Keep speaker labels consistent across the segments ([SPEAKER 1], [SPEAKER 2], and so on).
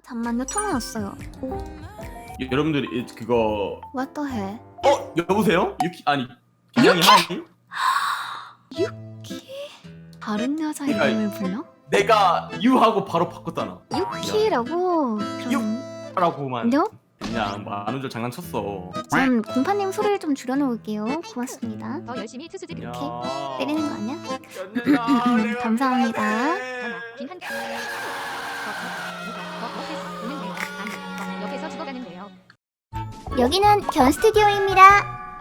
[SPEAKER 1] 잠만요. 통화 왔어요.
[SPEAKER 2] 여러분들 그거
[SPEAKER 1] What the hell?
[SPEAKER 2] 여보세요? 유키 아니 그냥이 하니?
[SPEAKER 1] 유키? 다른 여자
[SPEAKER 2] 그러니까
[SPEAKER 1] 이름을 불러?
[SPEAKER 2] 내가 유하고 바로 바꿨잖아.
[SPEAKER 1] 유키라고?
[SPEAKER 2] 라고만
[SPEAKER 1] 요?
[SPEAKER 2] 그냥 많은 줄 장난쳤어.
[SPEAKER 1] 전 공파님 소리를 좀 줄여놓을게요. 고맙습니다.
[SPEAKER 3] 더 열심히 투수들
[SPEAKER 2] 야.
[SPEAKER 1] 때리는 거 아니야?
[SPEAKER 2] 견뎌라, 내가
[SPEAKER 1] 감사합니다.
[SPEAKER 2] 미안해.
[SPEAKER 3] 긴한 아니 옆에서 죽어가는데요.
[SPEAKER 1] 여기는 견 스튜디오입니다.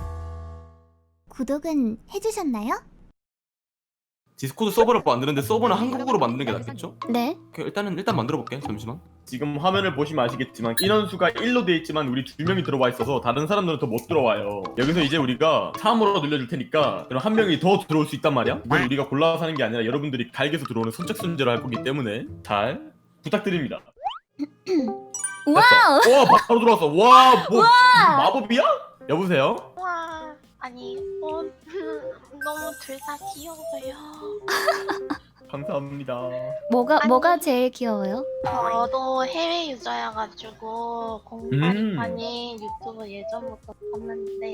[SPEAKER 1] 구독은 해주셨나요?
[SPEAKER 2] 디스코드 서버를 만드는데 서버는 한국어로 만드는 게 낫겠죠?
[SPEAKER 1] 네.
[SPEAKER 2] 오케이, 일단 만들어 볼게. 잠시만. 지금 화면을 보시면 아시겠지만 인원수가 1로 돼 있지만 우리 2명이 들어와 있어서 다른 사람들은 더 못 들어와요. 여기서 이제 우리가 3으로 늘려줄 테니까 그럼 한 명이 더 들어올 수 있단 말이야. 이건 우리가 골라서 하는 게 아니라 여러분들이 갈겨서 들어오는 선착순제로 할 거기 때문에 잘 부탁드립니다.
[SPEAKER 1] 와우!
[SPEAKER 2] 됐어. 와 바로 들어왔어. 와 뭐 마법이야? 여보세요?
[SPEAKER 4] 와, 아니, 너무 둘 다 귀여워요.
[SPEAKER 2] 감사합니다.
[SPEAKER 1] 뭐가 제일 귀여워요?
[SPEAKER 4] 저도 해외 유저여가지고 공파리파니 유튜브 예전부터 봤는데,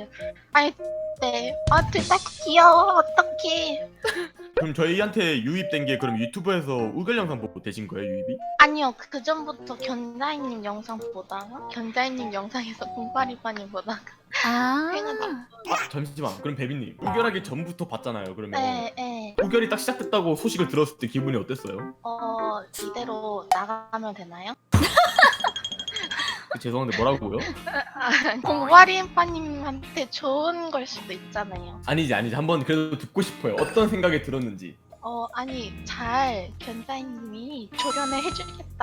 [SPEAKER 4] 네, 둘 다 귀여워. 어떡해.
[SPEAKER 2] 그럼 저희한테 유입된 게 그럼 유튜브에서 우결 영상 보고 되신 거예요, 유입이?
[SPEAKER 4] 아니요, 그 전부터 견자이님 영상 보다가 견자이님 영상에서 공파리파니 보다가
[SPEAKER 1] 아,
[SPEAKER 2] 잠시만. 그럼 베비님 우결하기 전부터 봤잖아요. 그러면
[SPEAKER 4] 네.
[SPEAKER 2] 우결이 딱 시작됐다고 소식을 들었을 때 기분이 어땠어요?
[SPEAKER 4] 이대로 나가면 되나요?
[SPEAKER 2] 죄송한데 뭐라고요?
[SPEAKER 4] 공파리파님한테 좋은 걸 수도 있잖아요.
[SPEAKER 2] 아니지 한번 그래도 듣고 싶어요. 어떤 생각이 들었는지.
[SPEAKER 4] 아니, 견자이님이 조련을 해주겠다.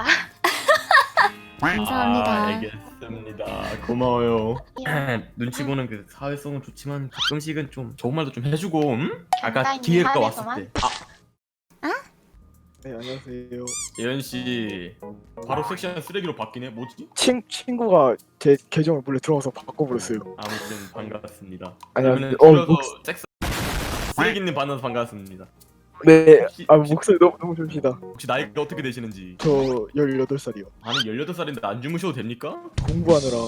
[SPEAKER 1] 감사합니다.
[SPEAKER 2] 알겠습니다. 고마워요. 눈치 보는 그 사회성은 좋지만 가끔씩은 좀 좋은 말도 좀 해주고, 아까
[SPEAKER 4] 견자이님
[SPEAKER 2] 기회가 왔을
[SPEAKER 4] 사회성만?
[SPEAKER 2] 때.
[SPEAKER 5] 네, 안녕하세요.
[SPEAKER 2] 예현 씨 바로 섹시한 쓰레기로 바뀌네. 뭐지?
[SPEAKER 5] 친구가 제 계정을 몰래 들어와서 바꿔버렸어요.
[SPEAKER 2] 아무튼 반갑습니다.
[SPEAKER 5] 안녕하세요.
[SPEAKER 2] 그러면 줄여서 섹스 쓰레기님 만나서 반갑습니다.
[SPEAKER 5] 네,
[SPEAKER 2] 혹시-
[SPEAKER 5] 목소리 너무 좋으시다.
[SPEAKER 2] 혹시 나이가 어떻게 되시는지?
[SPEAKER 5] 저 18살이요.
[SPEAKER 2] 아니 18살인데 안 주무셔도 됩니까?
[SPEAKER 5] 공부하느라.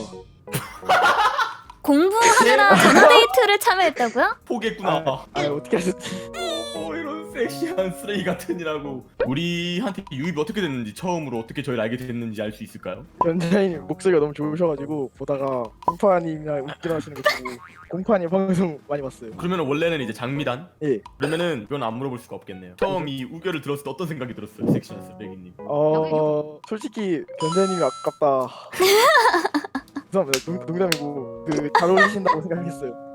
[SPEAKER 1] 공부하느라 전화데이트를 참여했다고요?
[SPEAKER 2] 포기했구나.
[SPEAKER 5] 어떻게 하셨지?
[SPEAKER 2] 이런 섹시한 쓰레기 같으니라고. 우리한테 유입이 어떻게 됐는지, 처음으로 어떻게 저희를 알게 됐는지 알 수 있을까요?
[SPEAKER 5] 연자님 목소리가 너무 좋으셔가지고 보다가 공파님이랑 웃기로 하시는 거 보고 공파님 방송 많이 봤어요.
[SPEAKER 2] 그러면 원래는 이제 장미단?
[SPEAKER 5] 예.
[SPEAKER 2] 그러면은 이건 안 물어볼 수가 없겠네요. 처음 이 우결을 들었을 때 어떤 생각이 들었어요, 섹시한 쓰레기님?
[SPEAKER 5] 솔직히 연자님이 아깝다. 죄송합니다. 농담이고 잘 어울리신다고 생각했어요.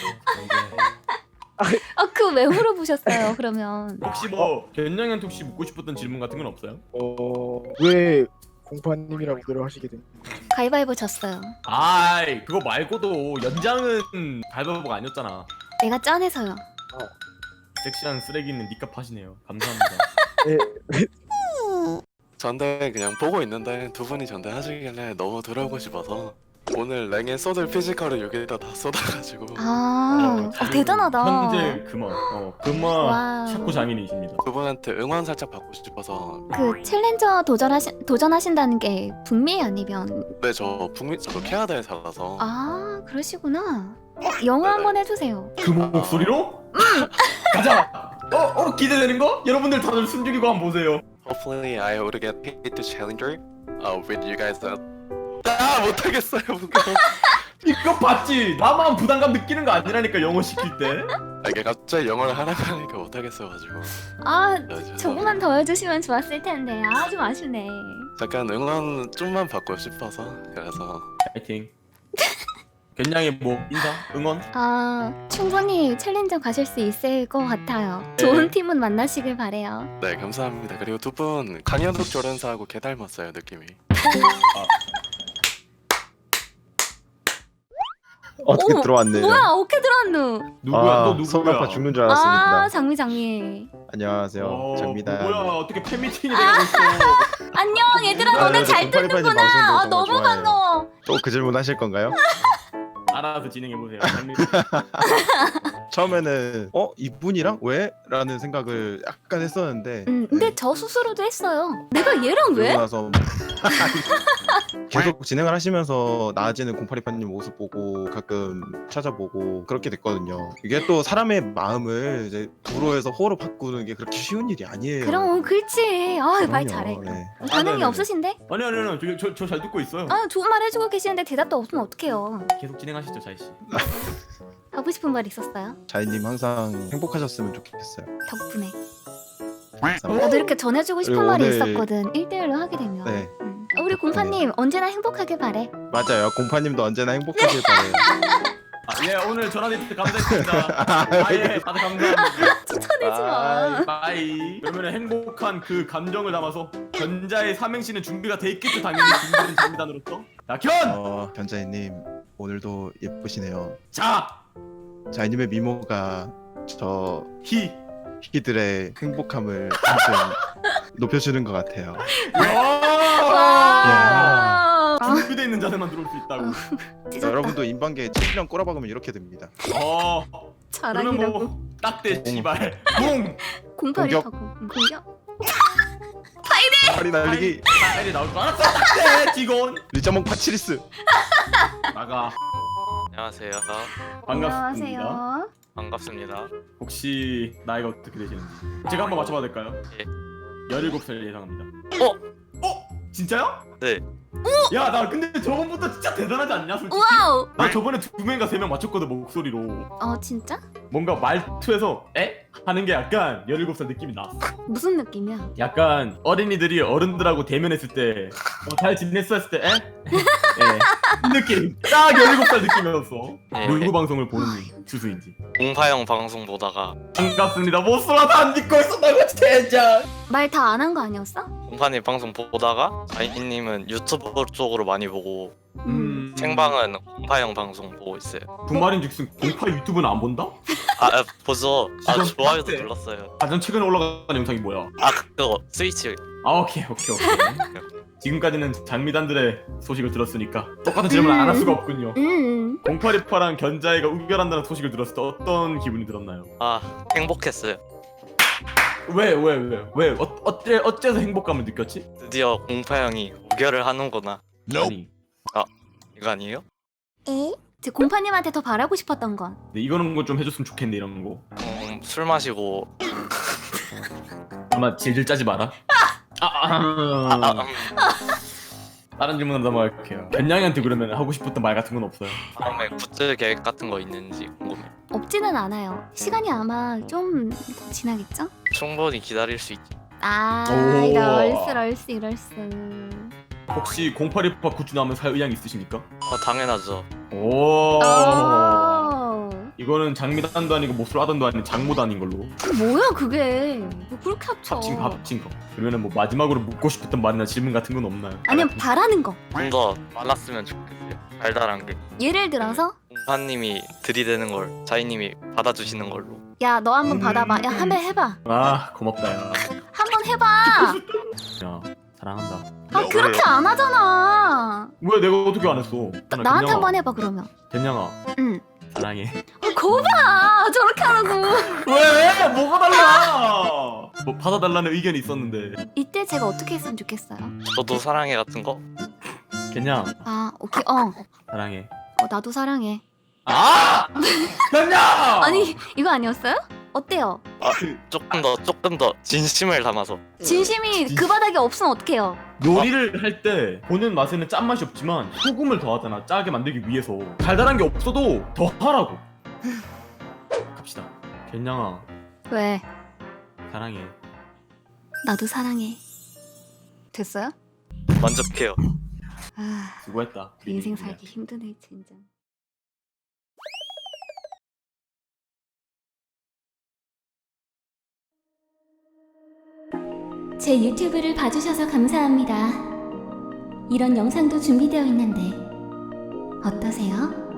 [SPEAKER 1] 그거 왜 물어보셨어요? 그러면
[SPEAKER 2] 혹시 뭐 견영한테 혹시 묻고 싶었던 질문 같은 건 없어요?
[SPEAKER 5] 왜 공파님이랑 노래를 하시게 된?
[SPEAKER 1] 가위바위보 졌어요.
[SPEAKER 2] 아이 그거 말고도 연장은 발바보가 아니었잖아.
[SPEAKER 1] 내가 짠해서요.
[SPEAKER 2] 섹시한 쓰레기는 니값 하시네요. 감사합니다.
[SPEAKER 5] 네.
[SPEAKER 6] 전대 그냥 보고 있는데 두 분이 전대 하시길래 너무 들어오고 싶어서 오늘 랭에 쏟을 피지컬을 여기다 다 쏟아가지고
[SPEAKER 1] 대단하다.
[SPEAKER 2] 현재 그만
[SPEAKER 1] 와우.
[SPEAKER 2] 샤코 장인이십니다.
[SPEAKER 6] 두 분한테 응원 살짝 받고 싶어서.
[SPEAKER 1] 그 챌린저 도전하신다는 게 북미 아니면
[SPEAKER 6] 네, 저도 캐나다에 살아서.
[SPEAKER 1] 그러시구나. 영어 한번 해주세요.
[SPEAKER 2] 그 목소리로? 가자. 기대되는 거? 여러분들 다들 숨죽이고 한번 보세요.
[SPEAKER 6] Hopefully I would get paid to challenger with you guys. 못하겠어요 뭔가.
[SPEAKER 2] 이거 봤지? 나만 부담감 느끼는 거 아니라니까, 영어 시킬 때.
[SPEAKER 6] 이게 갑자기 영어를 하라고 하니까 못하겠어가지고.
[SPEAKER 1] 조금만
[SPEAKER 6] 죄송합니다.
[SPEAKER 1] 더 해주시면 좋았을 텐데. 좀 아쉽네.
[SPEAKER 6] 잠깐 응원 좀만 받고 싶어서 그래서.
[SPEAKER 2] 파이팅. 견냥의 뭐 인사? 응원?
[SPEAKER 1] 충분히 챌린저 가실 수 있을 것 같아요. 좋은 팀은 만나시길 바래요.
[SPEAKER 6] 네, 감사합니다. 그리고 두 분 강현욱 조련사하고 개 닮았어요 느낌이.
[SPEAKER 7] 어떻게 들어왔네요.
[SPEAKER 1] 뭐야? 어떻게 들어왔누?
[SPEAKER 2] 누구야? 너 누구야?
[SPEAKER 7] 손아파 죽는 줄 알았습니다.
[SPEAKER 1] 장미.
[SPEAKER 7] 안녕하세요. 장미다.
[SPEAKER 2] 뭐야? 어떻게 팬미팅이 되고 있어?
[SPEAKER 1] 안녕 얘들아, 너네 잘 듣는구나. 너무 반가워.
[SPEAKER 7] 또 그 질문 하실 건가요?
[SPEAKER 2] 알아서 진행해 보세요.
[SPEAKER 7] 처음에는 이분이랑 왜? 라는 생각을 약간 했었는데
[SPEAKER 1] 근데 저 스스로도 했어요. 내가 얘랑 왜?
[SPEAKER 7] 그러고 나서 계속 진행을 하시면서 나아지는 0828님 모습 보고 가끔 찾아보고 그렇게 됐거든요. 이게 또 사람의 마음을 이제 불호에서 호로 바꾸는 게 그렇게 쉬운 일이 아니에요.
[SPEAKER 1] 그럼 그렇지. 아, 말
[SPEAKER 7] 그럼요.
[SPEAKER 1] 잘해.
[SPEAKER 7] 네.
[SPEAKER 1] 반응이
[SPEAKER 2] 네네.
[SPEAKER 1] 없으신데?
[SPEAKER 2] 아니 저 잘 듣고 있어요.
[SPEAKER 1] 아, 좋은 말 해주고 계시는데 대답도 없으면 어떡해요.
[SPEAKER 2] 계속 진행하시죠, 자이 씨.
[SPEAKER 1] 하고 싶은 말 있었어요?
[SPEAKER 7] 자이님 항상 행복하셨으면 좋겠어요.
[SPEAKER 1] 덕분에.
[SPEAKER 7] 감사합니다.
[SPEAKER 1] 나도 이렇게 전해주고 싶은
[SPEAKER 7] 그리고
[SPEAKER 1] 말이
[SPEAKER 7] 오늘-
[SPEAKER 1] 있었거든. 1대1로 하게 되면.
[SPEAKER 7] 네.
[SPEAKER 1] 우리 공파님 언제나 행복하게 바래.
[SPEAKER 7] 맞아요. 공파님도 언제나 행복하길 바래요.
[SPEAKER 2] 예, 오늘 전화 데이트 감사했습니다. 예, 다들 감사합니다.
[SPEAKER 1] 추천해지 마.
[SPEAKER 2] 바이. 그러면 행복한 그 감정을 담아서 견자의 삼행시는 준비가 돼 있겠죠, 당연히 준비된 장미단으로서. 자, 견!
[SPEAKER 7] 견자이님 오늘도 예쁘시네요.
[SPEAKER 2] 자!
[SPEAKER 7] 자이님의 미모가 저
[SPEAKER 2] 히!
[SPEAKER 7] 희들의 행복함을 한층 높여주는 것 같아요.
[SPEAKER 1] 와.
[SPEAKER 2] 준비되어 있는 자세만 들어올 수 있다고.
[SPEAKER 1] 찢었다.
[SPEAKER 7] 여러분도 인방계 7년 꼬라박으면 이렇게 됩니다. 그러면
[SPEAKER 1] 자랑이라고.
[SPEAKER 2] 뭐 딱대 씨발. 공!
[SPEAKER 1] 공팔이
[SPEAKER 7] 공격.
[SPEAKER 1] 타고. 공격?
[SPEAKER 7] 파리 날리기
[SPEAKER 2] 빨리 나올 거 알았어, 딱대! 직원!
[SPEAKER 7] 리자몽 파치리스.
[SPEAKER 2] 나가.
[SPEAKER 6] 안녕하세요.
[SPEAKER 2] 반갑습니다.
[SPEAKER 1] 안녕하세요.
[SPEAKER 6] 반갑습니다.
[SPEAKER 2] 혹시 나이가 어떻게 되시는지 제가 한번 맞춰봐도 될까요?
[SPEAKER 6] 예.
[SPEAKER 2] 17살 예상합니다.
[SPEAKER 6] 어?
[SPEAKER 2] 진짜요?
[SPEAKER 6] 네.
[SPEAKER 2] 야, 나 근데 저번부터 진짜 대단하지 않냐, 솔직히?
[SPEAKER 1] 와우.
[SPEAKER 2] 나 저번에 2명인가 3명 맞췄거든, 목소리로.
[SPEAKER 1] 진짜?
[SPEAKER 2] 뭔가 말투에서 에? 하는 게 약간 17살 느낌이 났어.
[SPEAKER 1] 무슨 느낌이야?
[SPEAKER 2] 약간 어린이들이 어른들하고 대면했을 때 잘 지냈어 했을 때 에? 예. 이 느낌. 딱 17살 느낌이었어.
[SPEAKER 6] 예.
[SPEAKER 2] 누구 방송을 보는 주수인지.
[SPEAKER 6] 공파형 방송 보다가
[SPEAKER 2] 반갑습니다. 모쏠라도 안 믿고 있었다고 진짜.
[SPEAKER 1] 말 다 안 한 거 아니었어?
[SPEAKER 6] 공파님 방송 보다가 자이님은 유튜브 쪽으로 많이 보고
[SPEAKER 2] 음.
[SPEAKER 6] 생방은 공파형 방송 보고 있어요.
[SPEAKER 2] 그 말인즉슨 공파 유튜브는 안 본다?
[SPEAKER 6] 보죠.
[SPEAKER 2] 지금
[SPEAKER 6] 좋아요도
[SPEAKER 2] 빡세.
[SPEAKER 6] 눌렀어요.
[SPEAKER 2] 가장 최근에 올라간 영상이 뭐야?
[SPEAKER 6] 그거 스위치.
[SPEAKER 2] 오케이. 지금까지는 장미단들의 소식을 들었으니까 똑같은 질문 안 할 수가 없군요. 0828랑 견자이가 우결한다는 소식을 들었을 때 어떤 기분이 들었나요?
[SPEAKER 6] 행복했어요.
[SPEAKER 2] 왜? 어째서 행복감을 느꼈지?
[SPEAKER 6] 드디어 공파형이 우결을 하는구나.
[SPEAKER 2] 아니,
[SPEAKER 6] 이거 아니에요?
[SPEAKER 1] 에? 제 공파님한테 더 바라고 싶었던 건.
[SPEAKER 2] 근데 이거는 거 좀 해줬으면 좋겠네, 이런 거.
[SPEAKER 6] 술 마시고
[SPEAKER 2] 아마 질질 짜지 마라. 다른 질문 넘어갈게요. 견양이한테 그러면 하고 싶었던 말 같은 건 없어요?
[SPEAKER 6] 다음에 굿즈 계획 같은 거 있는지 궁금해.
[SPEAKER 1] 없지는 않아요. 시간이 아마 좀 지나겠죠?
[SPEAKER 6] 충분히 기다릴 수 있지.
[SPEAKER 2] 오.
[SPEAKER 1] 이럴스.
[SPEAKER 2] 혹시 0828 굿즈 나오면 살 의향 있으십니까?
[SPEAKER 6] 당연하죠.
[SPEAKER 2] 오.
[SPEAKER 1] 오.
[SPEAKER 2] 이거는 장미단도 아니고 모술하단도 아닌 장모단인 걸로.
[SPEAKER 1] 뭐야 그게? 뭐 그렇게 합쳐?
[SPEAKER 2] 합친 거. 그러면은 뭐 마지막으로 묻고 싶었던 말이나 질문 같은 건 없나요?
[SPEAKER 1] 아니면 바라는 거.
[SPEAKER 6] 좀 더 많았으면 좋겠어요. 달달한 게.
[SPEAKER 1] 예를 들어서
[SPEAKER 6] 공파님이 들이대는 걸 자이님이 받아주시는 걸로.
[SPEAKER 1] 야 너 한번 받아봐. 야 한번 해봐.
[SPEAKER 2] 고맙다 야.
[SPEAKER 1] 한번 해봐.
[SPEAKER 2] 야 사랑한다.
[SPEAKER 1] 그렇게 안 하잖아.
[SPEAKER 2] 왜 내가 어떻게 안 했어?
[SPEAKER 1] 나한테 한번 해봐 그러면.
[SPEAKER 2] 견양아.
[SPEAKER 1] 응.
[SPEAKER 2] 사랑해.
[SPEAKER 1] 거봐 저렇게 하라고.
[SPEAKER 2] 왜? 뭐가 달라? 뭐 받아달라는 의견이 있었는데.
[SPEAKER 1] 이때 제가 어떻게 했으면 좋겠어요?
[SPEAKER 6] 저도 사랑해 같은 거?
[SPEAKER 2] 견양
[SPEAKER 1] 오케이.
[SPEAKER 2] 사랑해.
[SPEAKER 1] 나도 사랑해.
[SPEAKER 2] 견양!
[SPEAKER 1] 아니 이거 아니었어요? 어때요?
[SPEAKER 6] 조금 더 진심을 담아서.
[SPEAKER 1] 진심이 그 바닥에 없으면 어떡해요?
[SPEAKER 2] 요리를 할 때 보는 맛에는 짠맛이 없지만 소금을 더하잖아. 짜게 만들기 위해서. 달달한 게 없어도 더 하라고. 갑시다. 견양아
[SPEAKER 1] 왜?
[SPEAKER 2] 사랑해.
[SPEAKER 1] 나도 사랑해. 됐어요?
[SPEAKER 6] 만족해요.
[SPEAKER 2] 수고했다.
[SPEAKER 1] 인생 살기 힘드네 진짜. 제 유튜브를 봐주셔서 감사합니다. 이런 영상도 준비되어 있는데 어떠세요?